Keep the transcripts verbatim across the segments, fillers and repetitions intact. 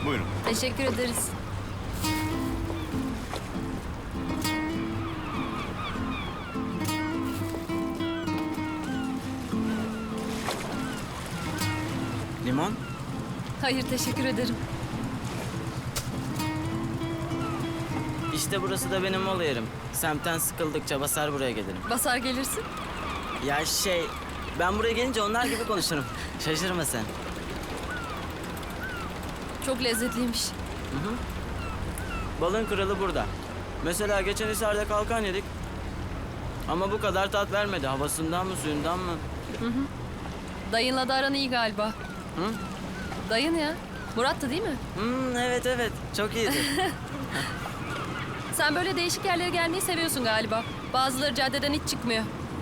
Buyurun. Teşekkür ederiz. Limon? Hayır, teşekkür ederim. İşte burası da benim mola yerim. Semtten sıkıldıkça basar buraya gelirim. Basar gelirsin. Ya şey, ben buraya gelince onlar gibi konuşurum. Şaşırma sen. Çok lezzetliymiş. Balın kralı burada. Mesela geçen Hisar'da kalkan yedik. Ama bu kadar tat vermedi. Havasından mı, suyundan mı? Dayınla da aran iyi galiba. Hı? Dayın ya. Murat'tı değil mi? Hmm, evet evet, çok iyiydi. Sen böyle değişik yerlere gelmeyi seviyorsun galiba. Bazıları caddeden hiç çıkmıyor.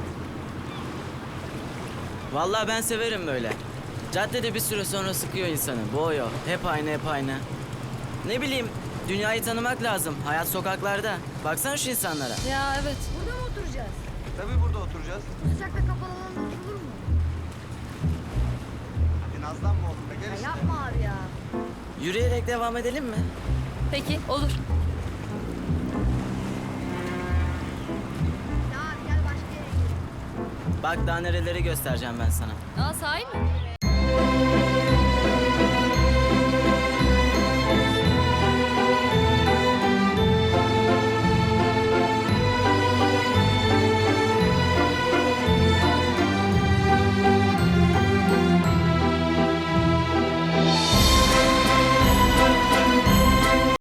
Vallahi ben severim böyle. Caddede bir süre sonra sıkıyor insanı. Boğuyor. Hep aynı, hep aynı. Ne bileyim, dünyayı tanımak lazım. Hayat sokaklarda. Baksana şu insanlara. Ya evet. Burada mı oturacağız? Tabii burada oturacağız. Bu sıcakta kapalı alanda oturulur mu? Hadi nazlanma oğlum be, gel Ya işte. yapma abi ya. Yürüyerek devam edelim mi? Peki, olur. Ya abi gel başka yere gidelim. Bak daha nereleri göstereceğim ben sana. Aa, sahi mi?